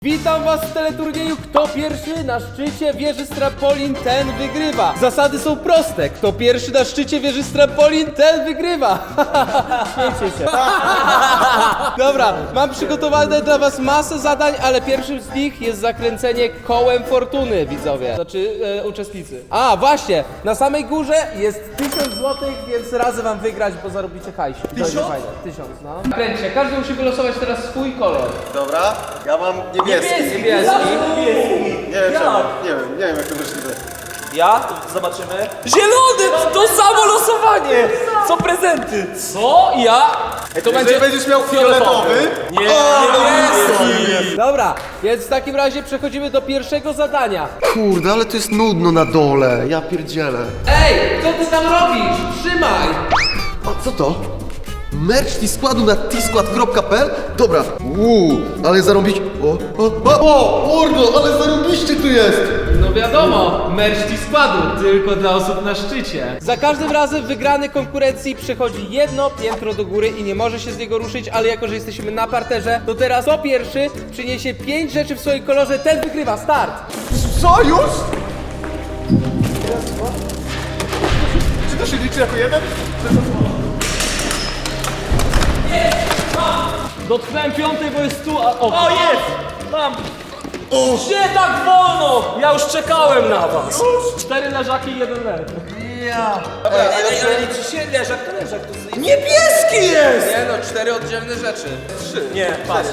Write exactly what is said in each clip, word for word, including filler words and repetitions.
Witam was w teleturnieju Kto pierwszy na szczycie wieży z trampolin, ten wygrywa. Zasady są proste. Kto pierwszy na szczycie wieży z trampolin, ten wygrywa. Śmiejcie się. Dobra, mam przygotowane dla was masę zadań, ale pierwszym z nich jest zakręcenie kołem fortuny, widzowie. Znaczy e, uczestnicy. A, właśnie, na samej górze jest tysiąc złotych, więc razem wam wygrać, bo zarobicie hajsik. Tysiąc? Fajne. Tysiąc, no. Kręćcie, każdy musi wylosować teraz swój kolor. Dobra, ja mam niebieski. Niebieski. Nie wiem czemu, nie wiem, nie wiem jak to możliwe. Ja? To zobaczymy. Zielony! To samo losowanie! Co prezenty? Co? Ja? Ej, to Jeżeli będziesz miał fioletowy, Nie, niebieski! Dobra, więc w takim razie przechodzimy do pierwszego zadania. Kurde, ale to jest nudno na dole, ja pierdzielę. Ej, co ty tam robisz? Trzymaj! A co to? Merch T-Składu na tskład kropka p l? Dobra, uuu, ale zarobić... O, o, o, o, mordo, ale zarobiście tu jest! No wiadomo, merch składu, tylko dla osób na szczycie. Za każdym razem wygrany konkurencji przechodzi jedno piętro do góry i nie może się z niego ruszyć, ale jako, że jesteśmy na parterze, to teraz kto pierwszy przyniesie pięć rzeczy w swoim kolorze, ten wygrywa. Start! Co, już? Czy to się liczy jako jeden? Dotknąłem piątej, bo jest tu, a... O, o jest! Mam! Gdzie tak wolno? Ja już czekałem na was. Cztery leżaki i jeden lew. Ja. Dobra, a ja Ale liczy się leżak, to leżak. To jest... Niebieski jest! Nie no, cztery oddzielne rzeczy. Trzy. Nie, patrz.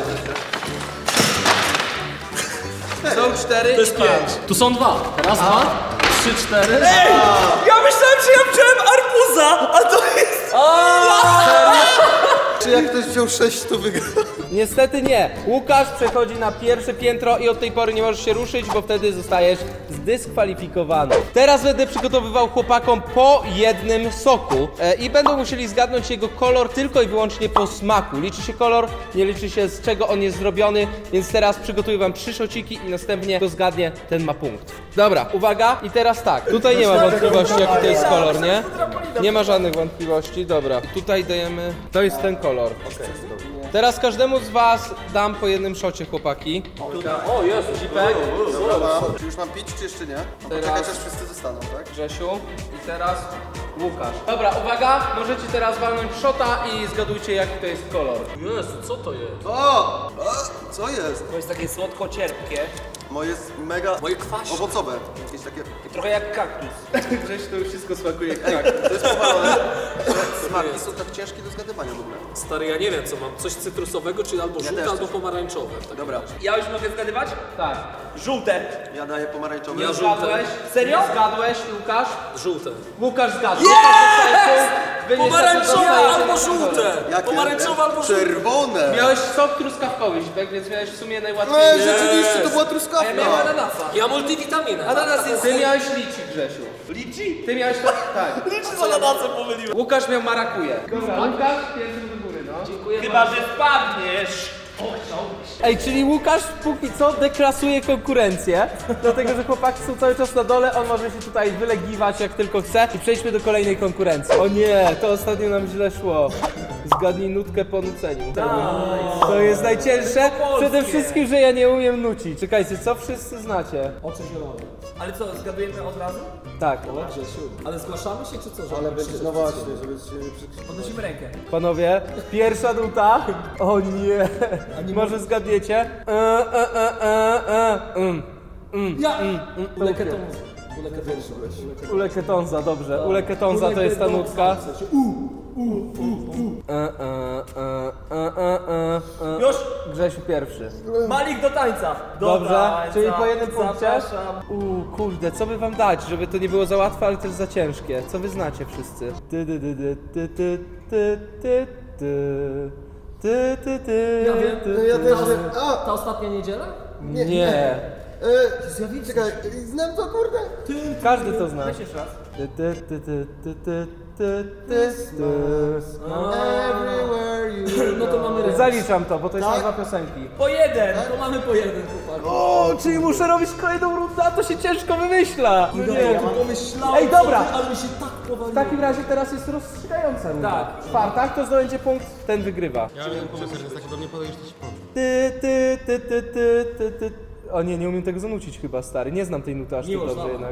Są cztery To jest i dwa. pięć. Tu są dwa. Raz, dwa, trzy, cztery. Ej! Ja myślałem, że ja wziąłem arbuza, a to jest... Czy jak ktoś wziął sześć, to wygra? Niestety nie. Łukasz przechodzi na pierwsze piętro i od tej pory nie możesz się ruszyć, bo wtedy zostajesz zdyskwalifikowany. Teraz będę przygotowywał chłopakom po jednym soku e, i będą musieli zgadnąć jego kolor tylko i wyłącznie po smaku. Liczy się kolor, nie liczy się z czego on jest zrobiony, więc teraz przygotuję wam trzy szociki i następnie kto zgadnie, ten ma punkt. Dobra, uwaga i teraz tak. Tutaj nie ma wątpliwości jaki to jest kolor, nie? Nie ma żadnych wątpliwości, dobra. Tutaj dajemy, to jest ten kolor. Teraz każdemu z was dam po jednym szocie, chłopaki. O, Jezu, Zipek, Dobra, mam. Czy już mam pić, czy jeszcze nie? Mam Teraz- poczekać, aż wszyscy zostaną, tak? Grzesiu i teraz Łukasz. Dobra, uwaga, możecie teraz walnąć szota i zgadujcie jaki to jest kolor. Jezu, co to jest? O! A, co jest? To jest takie słodko-cierpkie. Moje jest mega Moje kwaśne. owocowe. Jakieś takie... Trochę jak kaktus. Grzesiu to już wszystko smakuje jak tak. To jest powalone. Smarki są tak ciężkie do zgadywania w ogóle. Stary, ja nie wiem co mam, coś cytrusowego, czyli albo żółte, też albo coś. pomarańczowe. Tak. Dobra, Ja już mogę zgadywać? Tak. Żółte. ja daję pomarańczowy. Ja Nie żółte. zgadłeś? Serio? Nie zgadłeś, Łukasz? Żółte. Łukasz zgadł. Yes! Pomarańczowe albo żółte! Jakie? Pomarańczowe albo żółte! Czerwone! Miałeś sok truskawkowy, Zipek, więc miałeś w sumie najłatwiej. Ej, rzeczywiście, to była A ja truskawka! miałem ananasa. Ja multivitaminę. Ananas jest... Ty miałeś liczy, Grzesiu. Liczy? Ty miałeś to... Tak. Liczy z ananasem pomyliłem. Łukasz miał marakuję. Dobra, Łukasz, pierwszy do góry, no. Dziękuję. Chyba, że spadniesz. Ej, czyli Łukasz póki co deklasuje konkurencję, dlatego że chłopaki są cały czas na dole, on może się tutaj wylegiwać jak tylko chce i przejdźmy do kolejnej konkurencji. O nie, to ostatnio nam źle szło. Zgadnij nutkę po nuceniu. To jest najcięższe. Przede wszystkim, że ja nie umiem nucić. Czekajcie, co wszyscy znacie? Oczy zielone. Ale co, zgadujemy od razu? Tak, Ale zgłaszamy się czy co? Ale będzie, no właśnie, żeby się... Podnosimy rękę. panowie, pierwsza nuta. O nie, może zgadniecie? E, e, e, e, e, mm. Ja! Uleketonza. Uleketonza, dobrze. Uleketonza to jest ta nutka. E, e, e, e, e, e. Już? Grzesiu pierwszy. Malik do tańca. Do Dobrze, tańca. czyli po jednym punkcie. Zapraszam. Uuu, kurde, co by wam dać, żeby to nie było za łatwe, ale też za ciężkie? Co wy znacie wszyscy? Ty, ty, ty, ty, ty, ty, ty, ty, ty, ty, ty, Ja wiem. ty, No ja ty. też wiem. A! Ta ostatnia niedziela? Nie, E, czekaj, znam to kurde? każdy to zna. Weź jeszcze raz. Ty, ty, ty, ty, ty, ty, ty, ty, ty. No. Everywhere you No to mamy ręce. Zaliczam to, bo to jest Tak? nazwa piosenki. Po jeden. To mamy po jeden, chłopak. O, czyli muszę robić kolejną rundę, a to się ciężko wymyśla. No nie, ja to... pomyślałem, Ej, dobra. co ty, ale mi się tak W powaliło. takim razie teraz jest rozstrzygająca runda. Tak. Czwarta, kto zdobędzie punkt, ten wygrywa. Ja miałem pomysł, że jest taki do mnie podejść, to ci powiem. Ty, ty, ty, ty, ty, ty, ty. O nie, nie umiem tego zanucić chyba, stary. Nie znam tej nuty aż tak Miłosz, dobrze dawaj. jednak.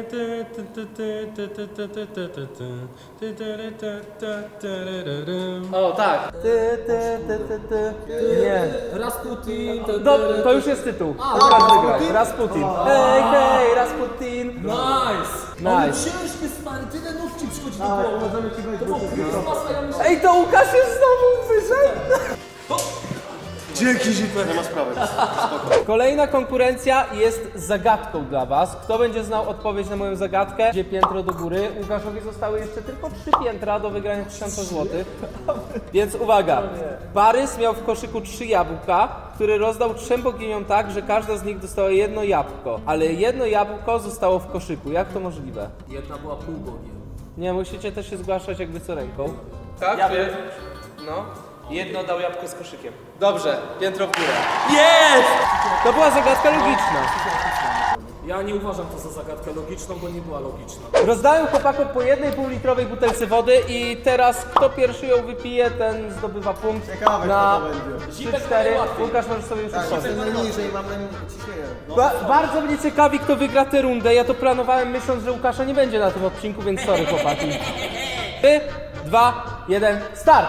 O, tak. Ty, ty, ty, ty, ty. Nie. Rasputin, to... Do, to już jest tytuł. Łukasz wygrać. Rasputin. Hej, hej, Rasputin. Nice! Ale Nice. ciężkie, stary, tyle nóg ci przychodzi do głowy. To było kurwa, ja myślałem... Ej, to Łukasz jest znowu wyżej. Dzięki, Zipper. Nie ma sprawy. Kolejna konkurencja jest zagadką dla was. Kto będzie znał odpowiedź na moją zagadkę, gdzie piętro do góry. Łukaszowi zostały jeszcze tylko trzy piętra do wygrania tysiąca złotych. Więc uwaga. Parys miał w koszyku trzy jabłka, które rozdał trzem boginiom tak, że każda z nich dostała jedno jabłko. Ale jedno jabłko zostało w koszyku. Jak to możliwe? Jedna była półbogiem. Nie, musicie też się zgłaszać jakby co ręką. Tak? Ja czy- wiem. No. Jedno dał jabłko z koszykiem. Dobrze, piętro w górę. Jest! To była zagadka logiczna. Ja nie uważam to za zagadkę logiczną, bo nie była logiczna. Rozdałem chłopakom po jednej półlitrowej butelce wody i teraz kto pierwszy ją wypije, ten zdobywa punkt. Ciekawe, na kto to będzie. trzy cztery. Łukasz, możesz sobie już otworzyć. Jestem najniżej, mam ciśnienie. Ba bardzo mnie ciekawi, kto wygra tę rundę. Ja to planowałem myśląc, że Łukasza nie będzie na tym odcinku, więc sorry chłopaki. trzy, dwa, jeden, start!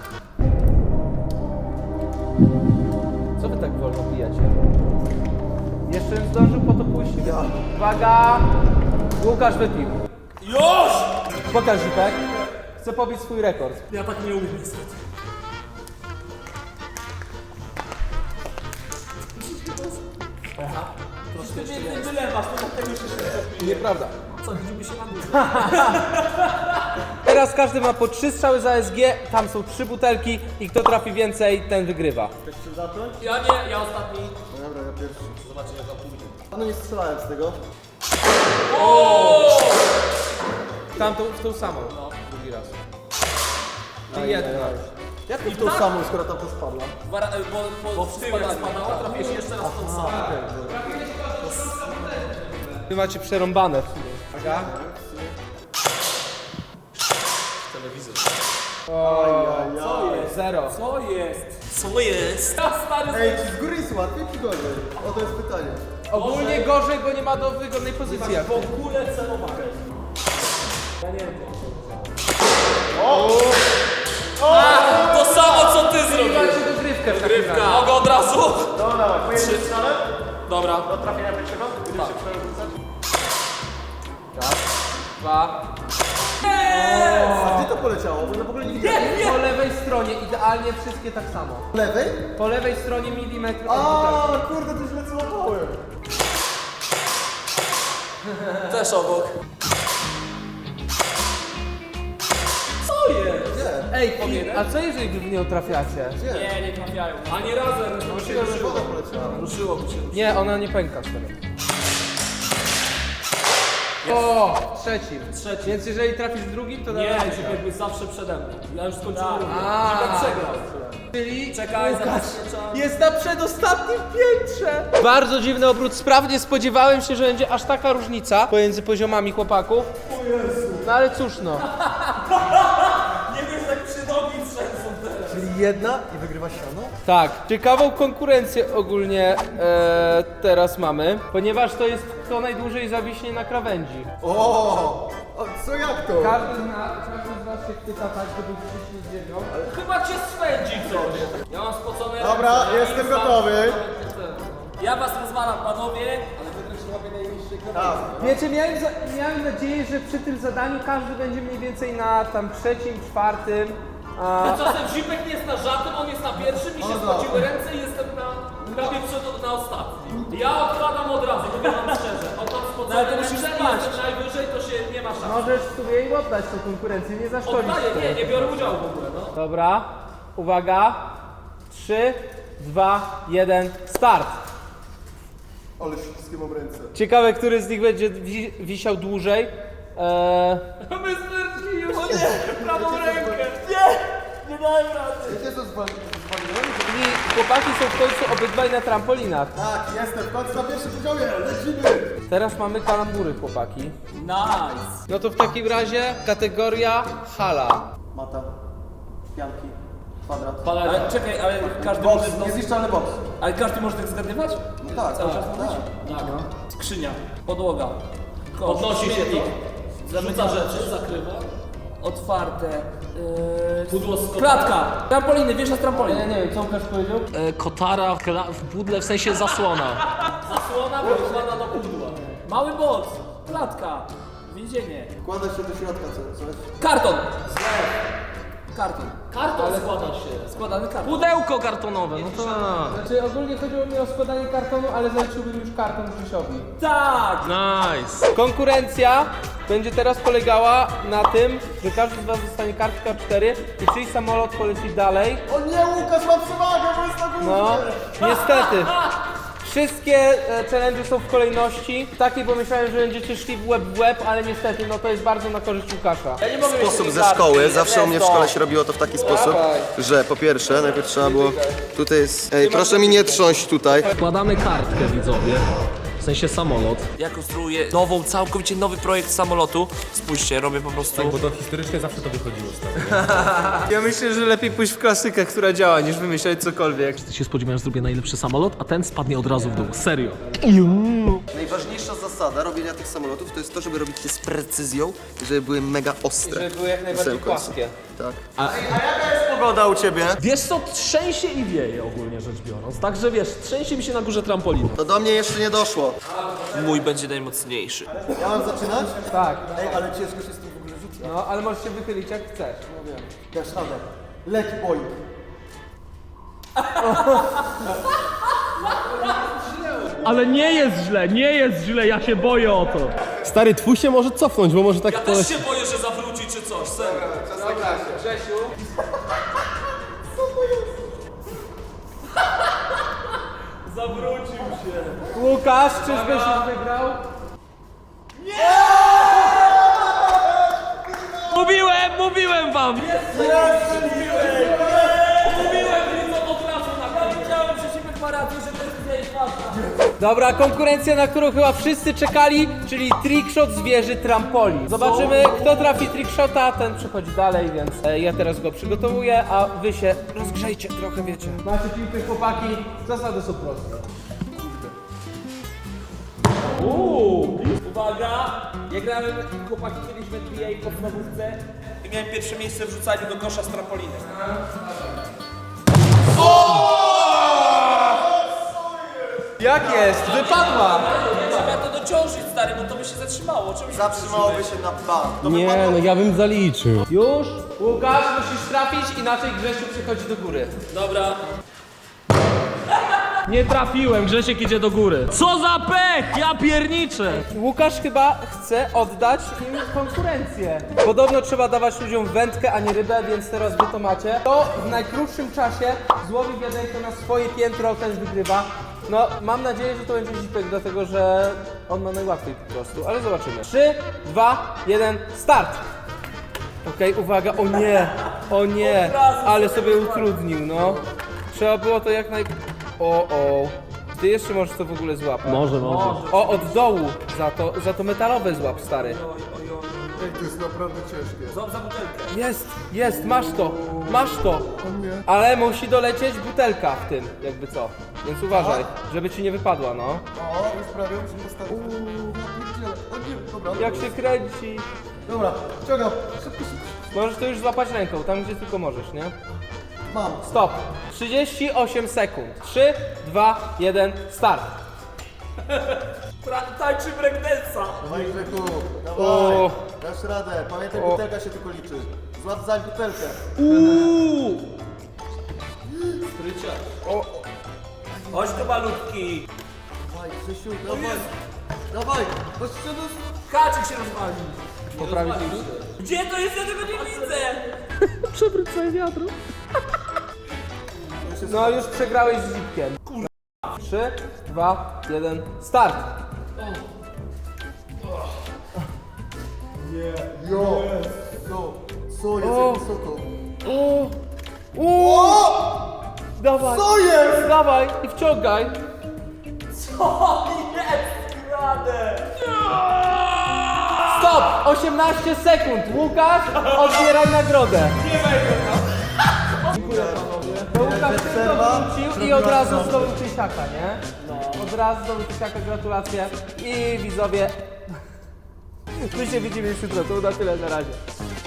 Co wy tak wolno pijacie? Jeszcze bym zdążył po to pójść. Uwaga! Łukasz wypił. Już! Pokaż Zipek. Chcę pobić swój rekord. Ja tak nie umiem niestety. Ty więcej wylewasz, to dlatego się Nieprawda. Co, widzimy się na górze. Teraz każdy ma po trzy strzały za S G, tam są trzy butelki i kto trafi więcej, ten wygrywa. Ja nie, ja ostatni. No dobra, ja pierwszy. Zobaczcie jak to pójdzie. No nie strzelałem z tego. Tam tą, w tą samą. No, drugi raz. I jedna. Jak mi w tą samą, skoro tam to spadła? Dwa ra- Bo, bo, bo w tył jak spadało, trafiłeś jeszcze raz w tą samą. Wy macie przerąbane w sumie. Uwaga. Telewizor. Co jest? Zero. Co jest? Co jest? Ja stary Ej, czy z góry jest łatwiej, czy gorzej? O, to jest pytanie. Ogólnie gorzej, bo nie ma do wygodnej pozycji. jak w ogóle celowałem. Ja nie wiem. To samo co ty zrobiłeś. Macie dogrywkę w takim razie. Rybka. Mogę od razu? No dawaj, po jednym strzale? Dobra. Do trafienia pierwszego? Będziesz się przerzucać? Dwa. A gdzie to poleciało? Bo ja w ogóle nie widziałem. Po lewej stronie, idealnie wszystkie tak samo. Po lewej? Po lewej stronie milimetr od A, butelki. kurde, to źle złapałem. Też obok. Co jest? Ej, i- a co jeżeli wy w nią trafiacie? Nie, nie trafiają. Ani razem. Myślałem, że woda poleciała. Ruszyłoby się. Nie, ona nie pęka wtedy. O, trzecim. Trzeci. Więc jeżeli trafisz drugim, to Nie, na że jakby zawsze przede mną. Ja już skończyłem rundę. A. Zipek przegrał. Czyli Czekaj, Łukasz zabezpieczam. jest na przedostatnim piętrze. Bardzo dziwny obrót spraw. Nie spodziewałem się, że będzie aż taka różnica pomiędzy poziomami chłopaków. No ale cóż no. Nie wiesz jak przy nogi trzęsą teraz. Czyli jedna i wygrywa siano? Tak, ciekawą konkurencję ogólnie e, teraz mamy, ponieważ to jest kto najdłużej zawiśnie na krawędzi. O, a co jak to? Każdy z nas, każdy z was się chwyta tak, żeby wciśnić ziemią. Chyba cię swędzi coś. Ja mam spocone Dobra, ręce. Ja jestem nie znam- gotowy. Ja was rozwalam, panowie. Tak. Wiecie, miałem, za, miałem nadzieję, że przy tym zadaniu każdy będzie mniej więcej na tam trzecim, czwartym. A, Czasem Zipek nie jest na żadnym, on jest na pierwszym, mi się Dobra. spociły ręce i jestem na prawie przed, na ostatnim. Ja odkładam od razu, powiem wam szczerze. Oddam spocone No, ale to ręce musisz i spać. jestem najwyżej, to się nie ma szans. możesz sobie jej oddać tę konkurencję, nie zaszkodzić. Oddaję, nie, nie biorę udziału w ogóle, no. Dobra, uwaga. trzy, dwa, jeden, start. Ale wszystkie mam ręce. Ciekawe, który z nich będzie wi wisiał dłużej. Eee, My stwierdzili już prawą rękę. Nie, nie dałem rady. Wiecie co zwaliłem? I chłopaki są w końcu obydwaj na trampolinach. Tak, jestem w końcu na pierwszym poziomie, lecimy! Teraz mamy kalambury, chłopaki. Nice. No to w takim razie kategoria hala. Mata, pianki, Kwadrat. Ale czekaj, ale każdy Box, może... niezniszczalny box. Ale każdy może tak zgadywać? No tak, Cały tak, czas tak. mówić? Tak. Skrzynia, podłoga, kosz, Podnosi się śmietnik, to, rzuca rzeczy, zakrywa. otwarte, yy, Pudło z kotara. klatka, trampoliny, wiesz na trampoliny. Ja nie wiem, co Łukasz powiedział? E, kotara w, kla- w pudle, w sensie zasłona. Zasłona wykłada do pudła. Mały box, klatka, więzienie, Wkłada się do środka co, coś. karton. Karton. Karton składa się. Składany karton. Pudełko kartonowe, no to... Znaczy ogólnie chodziło mi o składanie kartonu, ale zaliczyłbym już karton Grzesiowi. Tak! Nice. Konkurencja będzie teraz polegała na tym, że każdy z was dostanie kartkę A cztery i czyjś samolot poleci dalej. O nie, Łukasz ma przewagę, bo jest na górze! No, niestety. Wszystkie e, challenge są w kolejności takiej, bo myślałem, że będziecie szli w łeb w łeb, ale niestety no to jest bardzo na korzyść Łukasza. Ja nie mogę Sposób ze szkoły, zawsze u mnie w szkole się robiło to w taki sposób, że po pierwsze, najpierw trzeba było, tutaj jest, ej, proszę mi nie trząść tutaj. Wkładamy kartkę, widzowie. W sensie samolot. Ja konstruuję nową, całkowicie nowy projekt samolotu. Spójrzcie, robię po prostu... Bo to historycznie zawsze to wychodziło z Ja myślę, że lepiej pójść w klasykę, która działa, niż wymyślać cokolwiek. Ty się spodziewałem, że zrobię najlepszy samolot, a ten spadnie od razu w dół. Serio. Najważniejsza zasada robienia tych samolotów to jest to, żeby robić je z precyzją, żeby były mega ostre. Żeby były jak najbardziej Na samym końcu. płaskie. Tak. A, a jaka jest pogoda u ciebie? Wiesz co, trzęsie i wieje ogólnie rzecz biorąc. Także wiesz, trzęsie mi się na górze trampoliny. To do mnie jeszcze nie doszło. Mój będzie najmocniejszy. Ja mam zaczynać? Tak. Ej, ale ciężko się z tym w ogóle rzuca. No, ale możesz się wychylić jak chcesz. No wiem. Dasz radę. Leci boing. Ale nie jest źle, nie jest źle, ja się boję o to. Stary, twój się może cofnąć, bo może tak Ja też się boję, że zawróci czy coś, serio. Dobra, Grzesiu. Zawrócił się. Łukasz, czyżbyś już wygrał? Mówiłem, mówiłem wam! Dobra, konkurencja, na którą chyba wszyscy czekali, czyli trickshot z wieży trampoli. Zobaczymy, kto trafi trickshota, ten przechodzi dalej, więc e, ja teraz go przygotowuję, a wy się rozgrzejcie trochę, wiecie. Macie piłkę, chłopaki, zasady są proste. Uuu, uwaga! Ja grałem chłopaki kiedyś w N B A podstawówce i miałem pierwsze miejsce w rzucaniu do kosza z trampoliny. Jak jest? Wypadła! Trzeba to dociążyć, stary, bo to by się zatrzymało. Czemu się Zatrzymałoby się na bank. To Nie, no ja bym zaliczył. Już? Łukasz, musisz trafić, inaczej Grzesiu przychodzi do góry. Dobra. Nie trafiłem, Grzesiek idzie do góry. Co za pech, ja pierniczę! Łukasz chyba chce oddać im konkurencję. Podobno trzeba dawać ludziom wędkę, a nie rybę, więc teraz wy to macie. To w najkrótszym czasie złowi wiadenko na swoje piętro, ten wygrywa. No, mam nadzieję, że to będzie zipek, dlatego że on ma najłatwiej po prostu, ale zobaczymy. trzy, dwa, jeden, start! Okej, uwaga, o nie, o nie, ale sobie utrudnił, no. Trzeba było to jak naj... O, o. Ty jeszcze możesz to w ogóle złapać. Może, może. O, od dołu, za to, za to metalowe złap, stary. Ej, to jest naprawdę ciężkie. Złap za butelkę. Jest, jest, masz to, masz to. Ale musi dolecieć butelka w tym, jakby co. Więc uważaj, żeby ci nie wypadła, no. O, już prawie musimy postawić. Uuu, ja pierdzielę. O nie, dobra. Jak się kręci. Dobra, ciągam. Szybko, szybko. Możesz to już złapać ręką, tam gdzie tylko możesz, nie? Mam. Stop. trzydzieści osiem sekund. trzy, dwa, jeden, start. Tańczy breakdance'a. Dawaj, Grzechu. O. Dawaj. Dasz radę. Pamiętaj, O. butelka się tylko liczy. Złap za butelkę. Uuu! Chodź tu malutki. Dawaj, Grzesiu, dawaj. Dawaj. Chodź się do... Kaczyk się rozwali. Poprawić Gdzie to jest? Ja tego nie widzę. Przewróć sobie wiadro. No już przegrałeś z zipkiem. trzy, dwa, jeden, start. Jo. Jo. Co jest, O. jak wysoko? O! O! Dawaj! Co jest? Dawaj i wciągaj! Co jest grane? Stop! osiemnaście sekund! Łukasz, odbieraj nagrodę! Nie wejdę tam. To Łukasz szybko wrócił i od razu zdobył tysiaka, nie? No. Od razu zdobył tysiaka, gratulacje. I widzowie, my się widzimy już jutro, to na tyle, na razie.